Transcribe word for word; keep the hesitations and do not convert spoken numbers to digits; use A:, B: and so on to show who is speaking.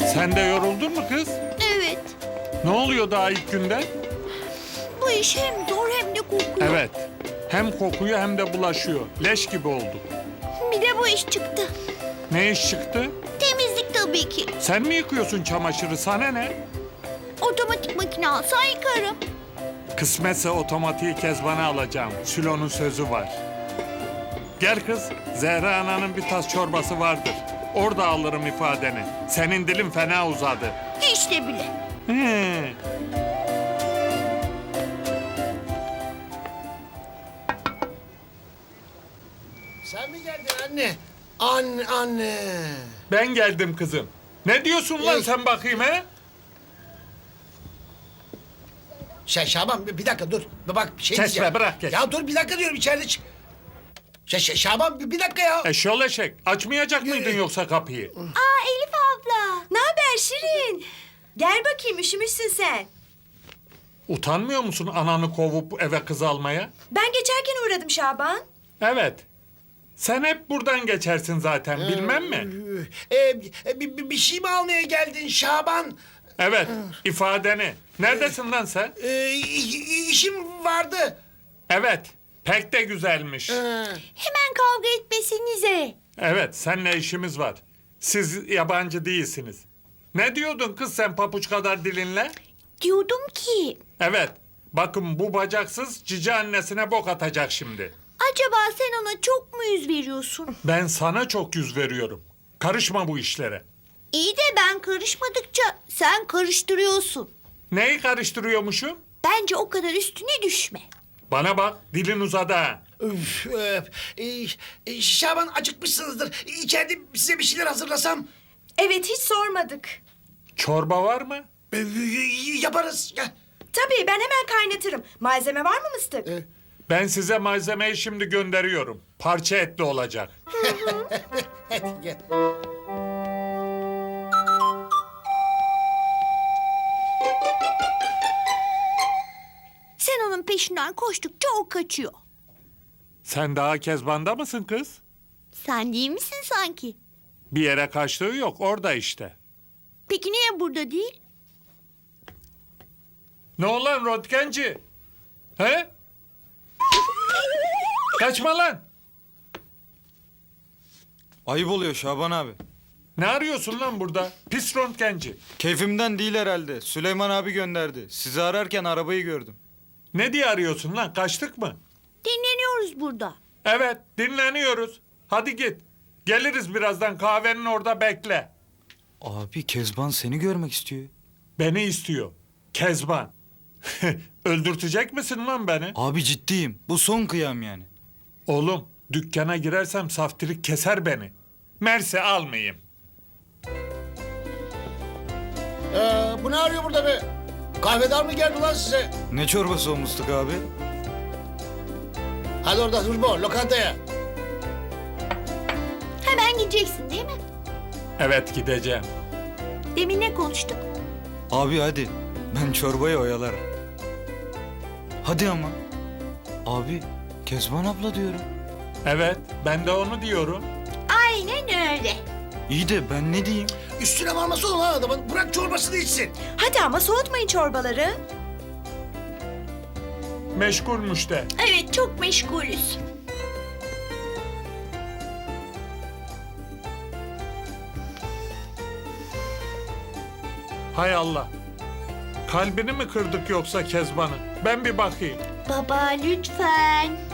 A: Sen de yoruldun mu kız?
B: Evet.
A: Ne oluyor daha ilk günden?
B: Bu iş hem zor hem de kokuyor.
A: Evet. Hem kokuyor hem de bulaşıyor. Leş gibi olduk.
B: Bir de bu iş çıktı.
A: Ne iş çıktı?
B: Temizlik tabii ki.
A: Sen mi yıkıyorsun çamaşırı? Sana ne?
B: Otomatik makine alsa yıkarım.
A: Kısmetse otomatiği Kezban'a alacağım. Sülo'nun sözü var. Gel kız, Zehra Ana'nın bir tas çorbası vardır. Orada alırım ifadeni. Senin dilin fena uzadı.
B: Hiç de bile.
A: He.
C: Sen mi geldin anne? Anne, anne.
A: Ben geldim kızım. Ne diyorsun lan
C: Ey.
A: sen bakayım he?
C: Şey Şaban bir bir dakika dur. Bak bir şey
A: Kesme,
C: diyeceğim.
A: bırak, kes.
C: Ya dur bir dakika diyorum içeride çık. Şey, şey, Şaban bir, bir dakika ya.
A: Eşyol eşek. Açmayacak mıydın yoksa kapıyı?
B: Aa Elif abla.
D: Ne haber Şirin? Gel bakayım, üşümüşsün sen.
A: Utanmıyor musun ananı kovup eve kız almaya?
D: Ben geçerken uğradım Şaban.
A: Evet. Sen hep buradan geçersin zaten bilmem mi?
C: Ee, e, bir, bir, bir şey mi almaya geldin Şaban?
A: Evet ifadeni. Neredesin lan sen?
C: Ee, i- işim vardı.
A: Evet pek de güzelmiş.
C: Ee,
B: Hemen kavga etmesinize.
A: Evet seninle işimiz var. Siz yabancı değilsiniz. Ne diyordun kız sen papuç kadar dilinle?
B: Diyordum ki
A: Evet bakın bu bacaksız cici annesine bok atacak şimdi.
B: acaba sen ona çok mu yüz veriyorsun?
A: Ben sana çok yüz veriyorum. Karışma bu işlere.
B: İyi de ben karışmadıkça sen karıştırıyorsun.
A: Neyi karıştırıyormuşum?
B: Bence o kadar üstüne düşme.
A: Bana bak dilin uzadı ha.
C: üf, öf. Ee, e, Şaban acıkmışsınızdır. İçeride size bir şeyler hazırlasam.
D: Evet, hiç sormadık.
A: Çorba var mı?
C: Ee, yaparız. Gel.
D: Tabii, ben hemen kaynatırım. Malzeme var mı mıstık?
C: Ee,
A: Ben size malzemeyi şimdi gönderiyorum. Parça etli olacak.
C: Hadi gel.
B: Sen onun peşinden koştukça o kaçıyor.
A: Sen daha Kezban'da mısın kız?
B: Sen değil misin sanki?
A: Bir yere kaçtığı yok orada işte.
B: Peki niye burada değil?
A: Ne olan röntgenci? He? Kaçma lan.
E: Ayıp oluyor Şaban abi.
A: Ne arıyorsun lan burada? Pis röntgenci.
E: Keyfimden değil herhalde. Süleyman abi gönderdi. Sizi ararken arabayı gördüm.
A: Ne diye arıyorsun lan? Kaçtık mı?
B: Dinleniyoruz burada.
A: Evet dinleniyoruz. Hadi git. Geliriz birazdan kahvenin orada bekle.
E: Abi Kezban seni görmek istiyor.
A: Beni istiyor. Kezban. Öldürtecek misin lan beni?
E: Abi ciddiyim. Bu son kıyam yani.
A: Oğlum dükkana girersem saftirik keser beni. Merse almayayım.
C: Ee, bu ne arıyor burada be? Kahvedar mı geldi lan size?
E: Ne çorbası olmuştuk abi?
C: Hadi orada dur bu lokantaya.
B: Hemen gideceksin değil mi?
A: Evet gideceğim.
B: Demin ne konuştuk?
E: Abi hadi. Ben çorbayı oyalarım. Hadi ama. Abi Kezban abla diyorum.
A: Evet ben de onu diyorum.
B: Aynen öyle.
E: İyi de ben ne diyeyim?
C: Üstüne varması olan lan adamın. Bırak çorbasını içsin.
D: Hadi ama soğutmayın çorbaları.
A: Meşgulmüş de.
B: Evet çok meşgulüz.
A: Hay Allah. Kalbini mi kırdık yoksa Kezban'ın? Ben bir bakayım.
B: Baba lütfen.